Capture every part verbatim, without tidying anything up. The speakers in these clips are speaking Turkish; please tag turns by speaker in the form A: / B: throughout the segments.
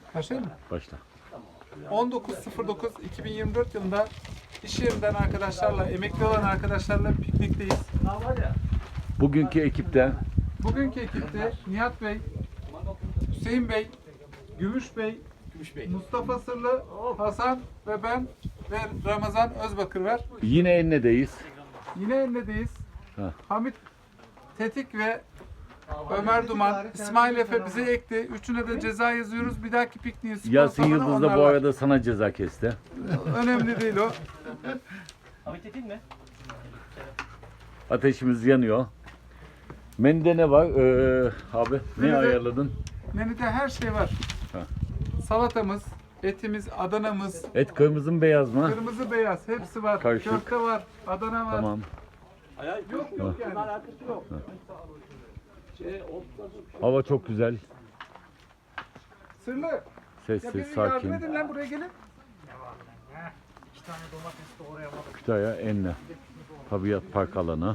A: Başlayalım mı?
B: Başla.
A: on dokuz sıfır dokuz iki bin yirmi dört yılında iş yerinden arkadaşlarla, emekli olan arkadaşlarla piknikteyiz.
B: Bugünkü ekipte
A: Bugünkü ekipte Nihat Bey, Hüseyin Bey, Gümüş Bey, Mustafa Sırlı, Hasan ve ben ve Ramazan Özbakır var.
B: yine Enne'deyiz.
A: Yine Enne'deyiz.
B: Ha.
A: Hamit Tetik ve Ömer Duman, İsmail Efe bize ekti. Üçüne de ceza yazıyoruz. Bir dahaki pikniğin
B: Yasin
A: sponsorunu
B: Yıldız da bu
A: onlarla.
B: arada sana ceza kesti.
A: Önemli değil o.
C: Hamit Tekin mi?
B: Ateşimiz yanıyor. Menüde ne var? Ee, abi ne
A: Menüde-
B: ayarladın?
A: Menüde her şey var.
B: Ha.
A: Salatamız, etimiz, Adana'mız,
B: Et kırmızı mı beyaz mı?
A: kırmızı beyaz hepsi var.
B: Karışık.
A: Köfte var, Adana var.
B: Tamam.
A: Yok yok yani.
C: Alakası yok. Şey,
B: Hava çok güzel.
A: Sırlı. Ya
B: Sessiz,
A: bir yardım
B: sakin.
A: edin lan buraya gelin.
C: İki tane domates doğrayamadım.
B: Kütahya Enne. Tabiat Park alanı.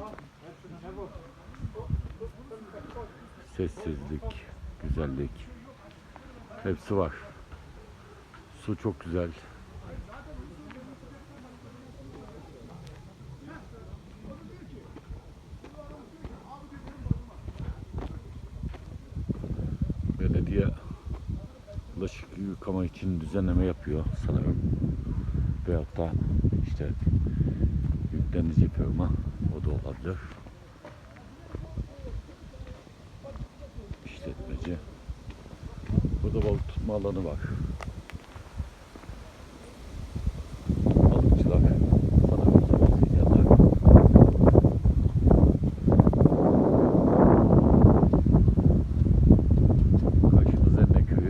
B: Sessizlik, güzellik. Hepsi var. Su çok güzel. Belediye bulaşık yıkama için düzenleme yapıyor sanırım. Veyahut da işte yüklenici firma, o da olabilir. İşletmeci. Burada balık tutma alanı var. Balıkçılar sanırım sabahleyenler. Karşımız Enne köyü.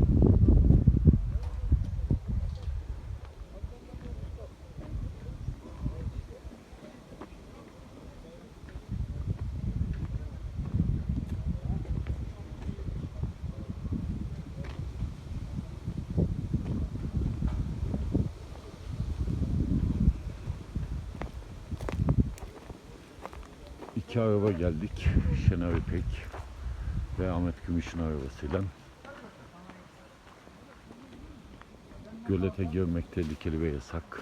B: İki araba geldik. Şener İpek ve Ahmet Gümüş'ün arabasıyla. Gölete girmek tehlikeli ve yasak.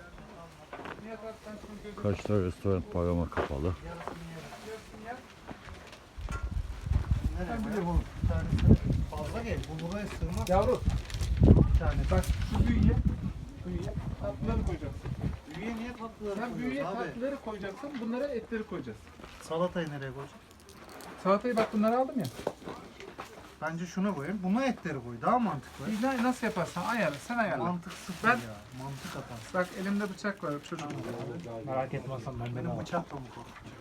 B: Karşıda restoran parama kapalı.
C: Ben biliyorum oğlum. Bir tanesi fazla gel. Bu buraya sığmaz.
A: Yavru
C: Bir tane.
A: bak şu büyüye, büyüye tatlıları koyacaksın.
C: Büyüye niye tatlıları
A: Sen büyüye
C: koyuyoruz abi?
A: tatlıları koyacaksın, bunlara etleri koyacağız.
C: Salatayı nereye koyacağız?
A: Salatayı bak bunları aldım ya.
C: Bence şuna koyayım. Buna etleri koy. Daha mantıklı.
A: Ne- Nasıl yaparsan ayarla, sen ayarla.
C: Mantık sıfır
A: Ben-
C: ya. Mantık atarsın.
A: Bak elimde bıçak var çocuk.
D: Merak etmezsen ben
C: Benim bıçakla mı koy?